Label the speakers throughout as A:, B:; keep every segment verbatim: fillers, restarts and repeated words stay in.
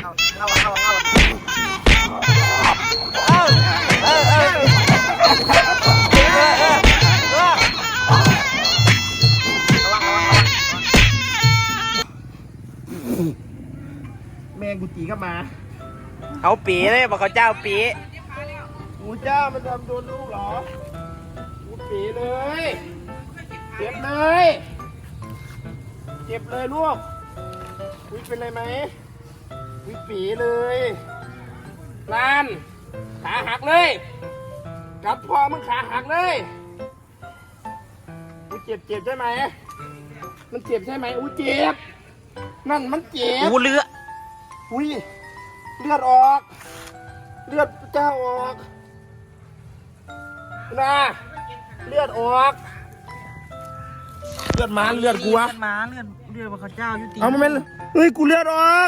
A: เอาเอาเอาเอาเออเออแมงกุจีก็มาเขาปีเลยบอกเขาเจ้าปีกูเจ้ามันทำโดนลูกเหรอกูปีเลยเจ็บเลยเจ็บเลยลูกวิเป็นไรไหมวิปีเลยลานขาหักเลยกับพ่อมึงขาหักเลยกูเจ็บเจ็บใช่ไหมมันเจ็บใช่ไหมอู้เจ็บนั่นมันเจ็บอู้เลือดอุ้ยเลือดออกเลือดเจ้าออกนะเลือดออกเลือดม้าเลือดกูวะ
B: เลือดม้าเลือดเลือดพระเจ้ายุติ
A: เอามาเป็นเฮ้ยกูเลือดออก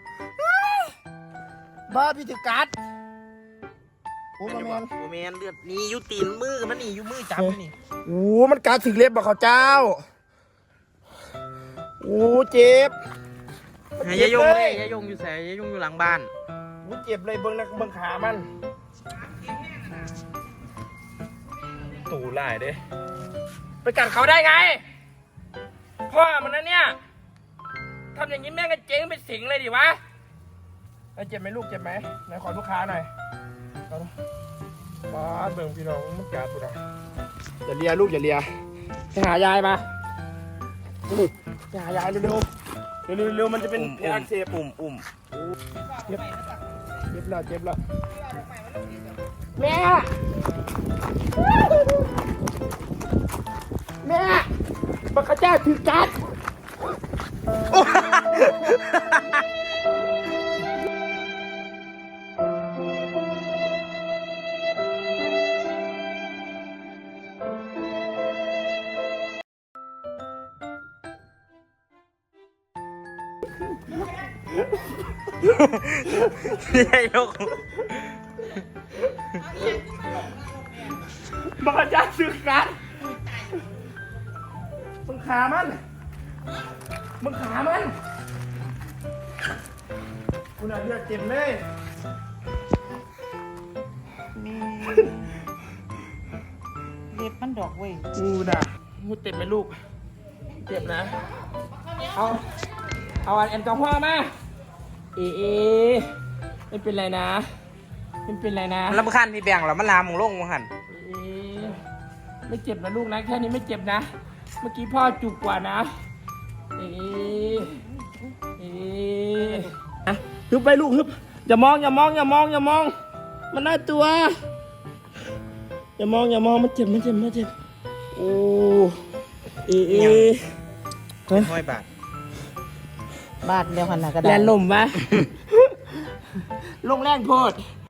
A: บ้าพี่ถือกัดโอ้มาแมน
B: โอแมนเลือดนี่ยุติมือมันนี่ยุมือจับนี่
A: โอ้มันกัดถึงเล็บบอกเขาเจ้าโอ้เจ็บ
B: ยายงเลยยายงอยู่แสยายงอยู่หลังบ้าน
A: โอ้เจ็บเลยเบิ้งนะเบิ้งขามันตูไล่เด้ไปกัดเขาได้ไงพ่อมันนะเนี่ยทำอย่างนี้แม่งก็เจ๊งเป็นสิงเลยดิวะแล้วเจ็บไหมลูกเจ็บไหมไหนขอลูกค้าหน่อยเอาบ้าเบิ่งพี่น้องมันกัดกูนะอย่าเลียลูกอย่าเลียไปหายายมาไปหายายเร็วเร็วเร็วเร็วมันจะเป็นอักเสบ
B: อุ่มอุ่ม
A: เจ็บเจ็บแล้วเจ็บแล้วแม่แม่บักข้าเจ้าถือกัด
B: ยายง
A: บักข้าเจ้าถือกัดมึงขามันมึงขามันคุณอาเลือดเจ็บเลย
B: มีเล็บมันดอกเว้ย
A: กูน่ะกูเจ็บไหมลูกเจ็บนะเอาเอาแอลกอฮอล์มาเอเอไม่เป็นไรนะไม่เป็นไรนะ
B: ลำคันพี่แบงค์เหรอมันลามมึงลงมึงหัน
A: เอไม่เจ็บนะลูกนะแค่นี้ไม่เจ็บนะเมื่อกี้พ่อจุกกว่านะเอเออะฮึบไปลูกฮึบอย่ามองอย่ามองอย่ามองอย่ามอง มันน่าตัวอย่ามองอย่ามองมันเจ็บมันเจ็บมันเจ็บโอ้เอเอ
B: ห้อยบาท
C: บาทเดียวขนาดกระ
A: แล
C: ดาษ
A: นลมวะ ลงแรงโพด